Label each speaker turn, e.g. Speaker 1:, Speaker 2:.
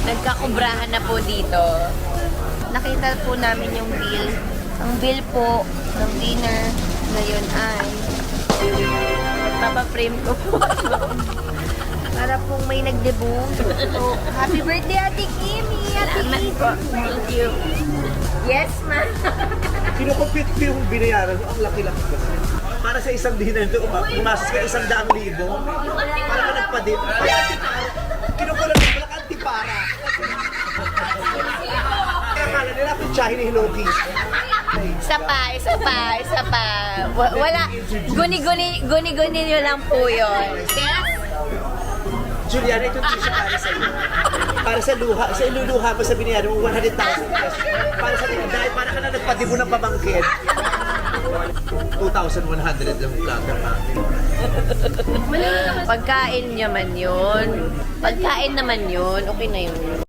Speaker 1: Nagkakubrahan na po dito. Nakita po namin yung bill. Ang bill po ng dinner ngayon ay papaprame ko po. Para pong may nagdebut. So, happy birthday, Ate Kimi! Ate Kimi! Thank you. Yes, ma'am.
Speaker 2: Kinukumpit ko yung binayaran mo, ang laki-laki kasi. Para sa isang dinner doon, pumasok ka 100,000. Para ka nagpadip. Ay, antipara. Kinukulat mo, wala ka antipara. Kaya kala nila kung tsahin ni Hiloki.
Speaker 1: Isa pa. Wala. Guni-guni nyo lang po yun. Yes?
Speaker 2: Juliana, ito tissue para sa iyo. Para sa luha, sa iluluha mo sa binayaran mo 100,000 pesos. Para sa dahil para ka na nagpadibo ng pamangkin. 2,100 lang platter namin.
Speaker 1: Pagkain naman yun. Okay na yun.